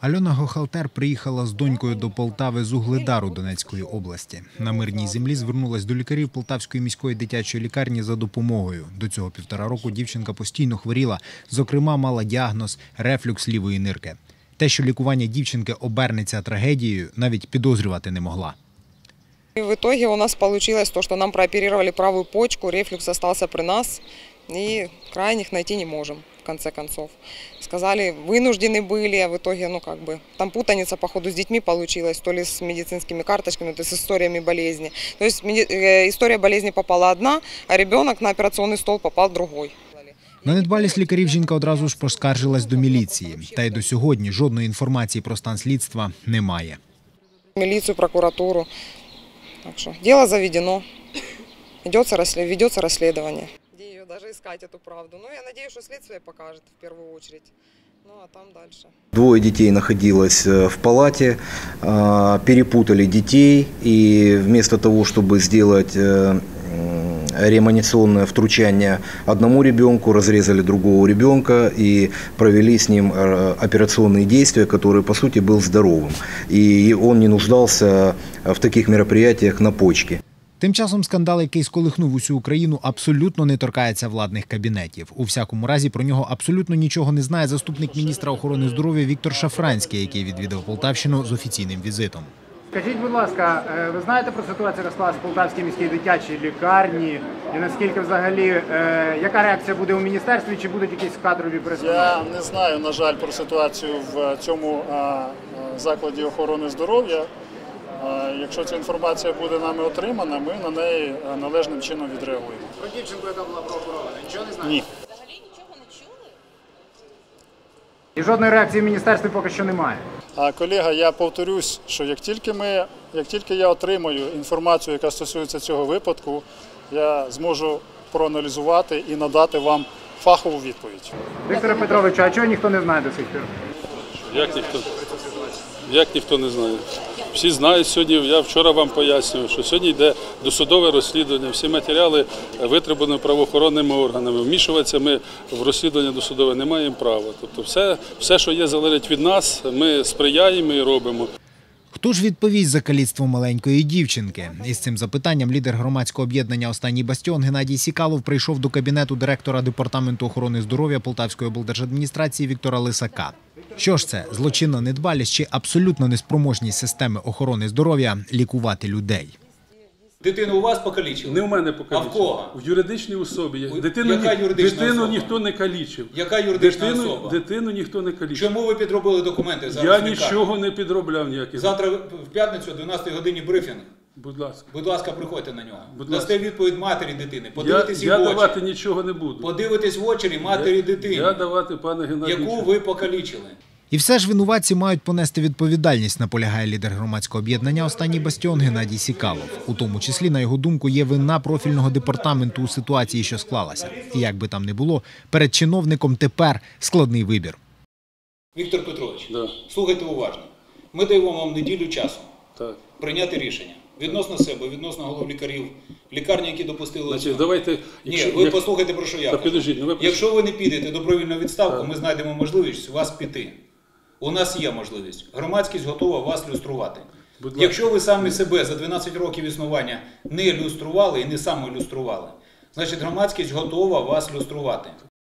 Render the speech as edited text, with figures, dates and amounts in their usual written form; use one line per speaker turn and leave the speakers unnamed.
Альона Гохалтер приїхала з донькою до Полтави з Угледару Донецької області. На мирній землі звернулась до лікарів Полтавської міської дитячої лікарні за допомогою. До цього 1,5 року дівчинка постійно хворіла, зокрема мала діагноз – рефлюкс лівої нирки. Те, що лікування дівчинки обернеться трагедією, навіть підозрювати не могла.
В итоге у нас получилось то, что нам прооперировали правую почку, рефлюкс остался при нас, и крайних найти не можем, в конце концов. Сказали, вынуждены были, а в итоге, там путаница, походу, с детьми получилась, то ли с медицинскими карточками, то есть с историями болезни. То есть история болезни попала одна, а ребенок на операционный стол попал другой.
На недбалість лікарів жінка одразу ж поскаржилась до міліції. Та й до сьогодні жодної інформації про стан слідства немає.
Милицию, прокуратуру. Так что дело заведено, ведется расследование. Где ее даже искать, эту правду? Я надеюсь, что следствие покажет в первую очередь. А там дальше.
2 детей находилось в палате, перепутали детей, и вместо того, чтобы сделать реанимационное втручание одному ребенку, разрезали другого ребенка и провели с ним операционные действия, который по сути был здоровым. И он не нуждался в таких мероприятиях на почке.
Тим часом скандал, який сколихнув усю Україну, абсолютно не торкається владних кабінетів. У всякому разі, про нього абсолютно нічого не знає заступник міністра охорони здоров'я Віктор Шафранський, який відвідав Полтавщину з офіційним візитом.
Скажіть, будь ласка, ви знаєте про ситуацію, яка склалась в Полтавській міській дитячій лікарні? І наскільки взагалі, яка реакція буде у міністерстві, чи будуть якісь кадрові перестановки?
Я не знаю, на жаль, про ситуацію в цьому закладі охорони здоров'я. Якщо ця інформація буде нами отримана, ми на неї належним чином відреагуємо.
Про дівчинку, яка була прооперована, нічого не знаєте?
Ні.
Взагалі нічого не чули?
І жодної реакції в міністерстві поки що немає?
Колега, я повторюсь, що як тільки я отримаю інформацію, яка стосується цього випадку, я зможу проаналізувати і надати вам фахову відповідь.
Вікторе Петровичу, а чого ніхто не знає до сих пір?
Як ніхто не знає? Всі знають сьогодні, я вчора вам пояснював, що сьогодні йде досудове розслідування, всі матеріали витребувані правоохоронними органами. Вмішуватися ми в розслідування досудове не маємо права. Тобто все, що є, залежить від нас, ми сприяємо і робимо.
Хто ж відповість за каліцтво маленької дівчинки? Із цим запитанням лідер громадського об'єднання «Останній бастіон» Геннадій Сікалов прийшов до кабінету директора Департаменту охорони здоров'я Полтавської облдержадміністрації Віктора Лисака. Що ж це? Злочинна недбалість чи абсолютно неспроможність системи охорони здоров'я лікувати людей?
Дитину у вас покалічили?
Не у мене покалічили.
А в кого?
В юридичній особі.
Яка юридична
Дитину
особа?
ніхто не калічив.
Яка юридична особа?
Дитину ніхто не калічив.
Чому ви підробили документи зараз?
Я
в лікарні?
нічого не підробляв ніяких.
Завтра в п'ятницю о 12 годині брифінг.
Будь ласка.
Будь ласка, приходьте на нього.
Будь
Дасте
ласка.
відповідь матері дитини. Подивитесь їй в
Я
очі.
давати нічого не буду.
Подивитесь в очі матері дитини,
Я давати, пане Геннадію.
яку ви покалічили.
І все ж винуватці мають понести відповідальність, наполягає лідер громадського об'єднання «Останній бастіон» Геннадій Сікалов. У тому числі, на його думку, є вина профільного департаменту у ситуації, що склалася. І як би там не було, перед чиновником тепер складний вибір.
Віктор Петрович,
Да.
слухайте уважно. Ми даємо вам неділю часу
Так.
прийняти рішення. Відносно себе, відносно голов лікарів, лікарні, які допустили...
Значить, давайте...
Ні, ви послухайте, про що я кажу.
Підождіть,
Якщо ви не підете добровільну відставку, ми знайдемо можливість вас піти. У нас є можливість. Громадськість готова вас люструвати. Якщо ви самі себе за 12 років існування не люстрували і не самоілюстрували, значить громадськість готова вас люструвати.